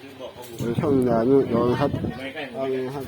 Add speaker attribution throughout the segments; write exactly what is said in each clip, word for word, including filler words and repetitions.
Speaker 1: ช่องด่านนู่นก่อนครับเอาเลยครับ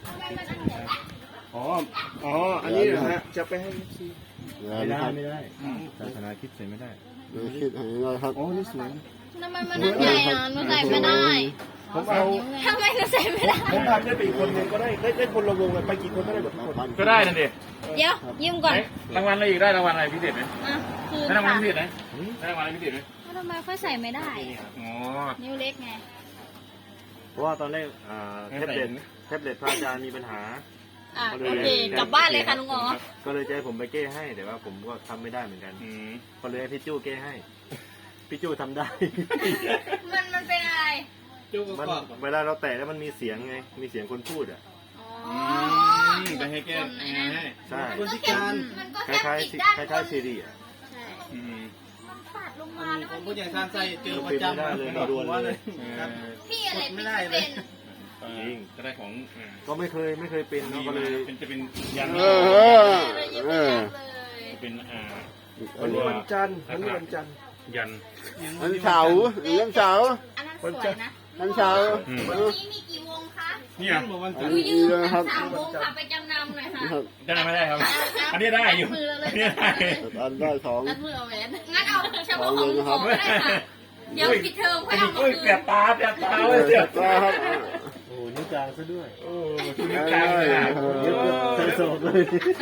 Speaker 2: อ๋ออ๋ออันนี้นะฮะจะไปให้ซี
Speaker 1: ไม่ได้ไม่ได้
Speaker 2: ศาสนาคิดใส่ไม่ได้
Speaker 1: ไม่คิดให้ได้ครับ
Speaker 2: โอ้นี่สวย
Speaker 3: ทำไมมันนั่นใหญ่อ่ะหนูใส่ไม่ได้
Speaker 2: ผมเอา
Speaker 3: ทำไมหนูใส่ไม่ได้
Speaker 2: ผมพาได้ไปอีกคนหนึ่งก็ได้ได้ได้คนละวงเลยไปกี่คนก็ได้หมดทุกคน
Speaker 4: ก็ได้นั่นดิ
Speaker 3: เดี๋ยวยืมก่อน
Speaker 4: รางวัลอะไรอีกได้รางวัลอะไรพิเศษไหม
Speaker 3: อ่ะคือ
Speaker 4: ได้รางวัล
Speaker 3: ค่ะ
Speaker 4: พิเศษไหมได้รางวัลอะไรพิเศษไหม
Speaker 3: ทำไมค่อยใส่ไม่ได้
Speaker 4: อ๋อ
Speaker 3: นิ้วเล็กไง
Speaker 2: เพราะว่าตอนแรกอ่าแท็บเล็ตแท็บเล็ตพระอาจารย์มีปัญหา
Speaker 3: อ่ะโอเคกลับบ้านเลยค่ะลุงอ๋อ
Speaker 2: ก็เลยจะให้ผมไปแก้ให้แต่ว่าผมก็ทำไม่ได้เหมือนกัน
Speaker 4: อืม
Speaker 2: ก็เลยให้พี่จู้แก้ให้พี่จู้ทำได้
Speaker 3: มันมันเป็นอะไร
Speaker 2: มันเวลาเราแตะแล้วมันมีเสียงไงมีเสียงคนพูดอ่ะ
Speaker 3: อ๋อ
Speaker 4: อืมไปให้แก้ให้
Speaker 2: ใช่
Speaker 3: มันก็แค่มันก็
Speaker 2: ค
Speaker 3: แค่
Speaker 2: ล้าย
Speaker 3: ผิด
Speaker 2: ๆ
Speaker 3: ด้าน
Speaker 2: คล้ายๆซีรีส์อ่ะ
Speaker 3: ใช่
Speaker 4: อืม
Speaker 3: มันปัดลงมาแล้วมัน
Speaker 5: ผู้ใหญ่ทานใส่เจอประจำ
Speaker 2: ไม่ได้เลยไม่โดนเลย
Speaker 3: พี่อะไร
Speaker 5: ไม่
Speaker 3: พี่
Speaker 5: ได้เลย
Speaker 3: เป็น
Speaker 4: จริงจะได้ของอ่า
Speaker 2: ก็ไม่เคยไม่เคยเป็นเนาะก็เลย
Speaker 4: เป็นจะเป็นยัน
Speaker 1: เออเออเออ
Speaker 4: เป็นอ่า
Speaker 2: วันนี้วันจันทร์วันนี้วันจันทร์
Speaker 4: ยัน
Speaker 1: วันเสาร์วันเสาร์
Speaker 3: อันนั้นสวยนะ
Speaker 1: วันเสาร์
Speaker 3: วันนี้มีกี่วงคะ
Speaker 4: นี่
Speaker 5: ยั
Speaker 4: อ่ะ
Speaker 5: นบอกวัน
Speaker 1: อั
Speaker 5: จั
Speaker 1: น
Speaker 5: นทร์
Speaker 1: นี้เลยครับ
Speaker 3: สามวงค่ะไปจำนำหน่อยค่ะ
Speaker 1: ครับ
Speaker 4: จะได้ไม่ได้ครับ อันนี้ได้อยู่อันนี้ได้
Speaker 1: อันได้สอง
Speaker 3: รัดมือเอาแหวนงั้นเอาเฉพาะของของก็ได้ค่ะเดี๋ยวปิดเทอมค่อยเอามา
Speaker 4: โอ้ย
Speaker 3: คื
Speaker 4: เสีย
Speaker 3: น
Speaker 4: บตาเสียบตา
Speaker 1: เอ
Speaker 4: เล
Speaker 1: อย
Speaker 4: เสียบ
Speaker 1: ก็ครับ
Speaker 2: โอ้นิ้วกลางซะด้วย
Speaker 4: โอ้ชุดนิ้วกลางเลยอ่ะ
Speaker 2: เยอะเต็มโซเลย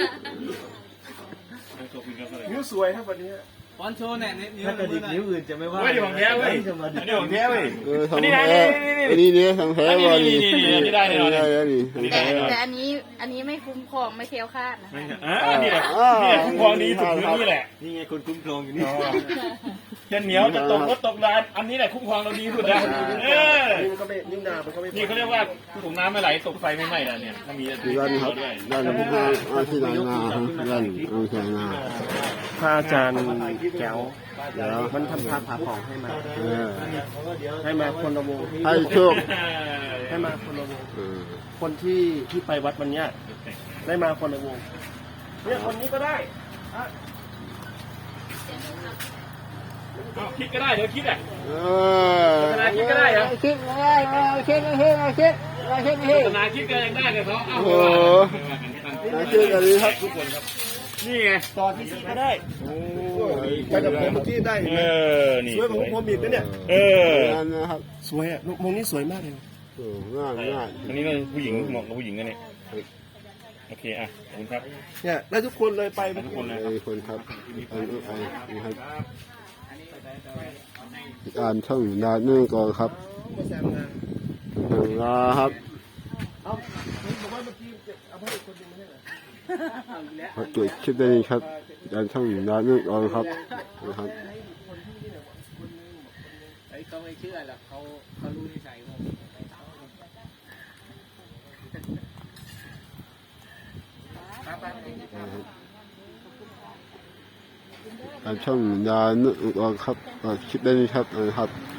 Speaker 2: นิ้วสวยครับวันนี้
Speaker 5: วันโชว์เนี่ยนิ้ว
Speaker 2: ถ้ากระดิกนิ้วอื่นจะไม่ว่า
Speaker 4: เฮ้ยของแท้เว้ยอันนี้ของแท้เว้ย
Speaker 1: เออทำ
Speaker 4: นี่
Speaker 1: แท้
Speaker 4: นะ
Speaker 1: อันนี้เนี่ยทำแท้วัน
Speaker 4: นี่นี่นี่นี่ได้แน่นอน
Speaker 1: ได้แล้วนี่
Speaker 4: อันนี้
Speaker 3: แต่
Speaker 4: ได้แน่นอน
Speaker 3: แต่อันนี้อันนี้ไม่คุ้มครองไม่เคลียวคลาดนะ
Speaker 4: อ่านี่แหละนี่แหละคุ้มครองดีสุดคือนี่แหละ
Speaker 2: นี่ไงคนคุ้มครองอยู่นี่
Speaker 4: จะเหนียวจะตกรถตกรานอันนี้แหละคุ้มครองเราดีสุดนะเออ
Speaker 2: นี่มันก็ไม่นิ้วนามันก็ไม่
Speaker 4: นี่เขาเรียกว่าถุงน้ำไม่ไหลตกไฟไม่ไหม้นะเนี่ยถ้ามี
Speaker 1: ที่ด้านครับ
Speaker 4: ด้วย
Speaker 1: ด้านผมเอาเอาที่ไหนมาครับด้านเอาที่ไหนมา
Speaker 2: พระอาจารย์แก้ว
Speaker 1: เดี๋ยว
Speaker 2: มันทำพาผาผ่องให้มา
Speaker 1: เออ
Speaker 2: ให้มาคนละวง
Speaker 1: ให้โชค
Speaker 2: ให้มาคนละวง
Speaker 1: เออ
Speaker 2: คนที่ที่ไปวัดวันเนี้ยได้มาคนละวงเนี่ยคนนี้ก็ได้อ่ะ
Speaker 4: เอาคิดก็ได้เดี๋ยวคิดอ่ะ
Speaker 1: เออ
Speaker 4: คิดก็ได้เหรอ
Speaker 1: คิดก็ได้คิดคิดคิดคิดคิด
Speaker 4: ศาสนาคิดก็ยังได้เลยเขาเอา
Speaker 1: โอ้โหคิดกันดีครับ
Speaker 4: ทุกคนครับนี่ไง
Speaker 2: ต่อที่ซีก็ได้ไปกับผมเมื่อกี้ได้
Speaker 4: เออนี่
Speaker 2: สวยผมผมบีบนะเนี่ย
Speaker 4: เออ
Speaker 1: นั่นนะครับ
Speaker 2: สวยอ่ะมงนี้สวยมากเลย
Speaker 1: โอ้ง่ายง่าย
Speaker 4: อันนี้เราผู้หญิงเหมาะกับผู้หญิงกันเนี่ยโอเคอ่ะขอบคุณครับ
Speaker 2: เนี่ยได้ทุกคนเลยไป
Speaker 4: ทุกคนเลย
Speaker 1: ไอ้คนครับไอ้ไอ้นี่ครับอ่านช่องดานนู่นก่อนครับถึงลาครับ
Speaker 2: เอาบอกว่าเมื่อกี้เอาให้คนนึงไม่ใช่เหรอ
Speaker 1: ขอจุดคลิปได้ครับอ่านช่องดานนู่นก่อนครับนะครับ
Speaker 5: ไอ้เขาไม่เชื่อหรอกเขาเขารู้นิสัยผม
Speaker 1: อ่านช่องดานนู่นก่อนครับก็คลิปได้ครับนะครับ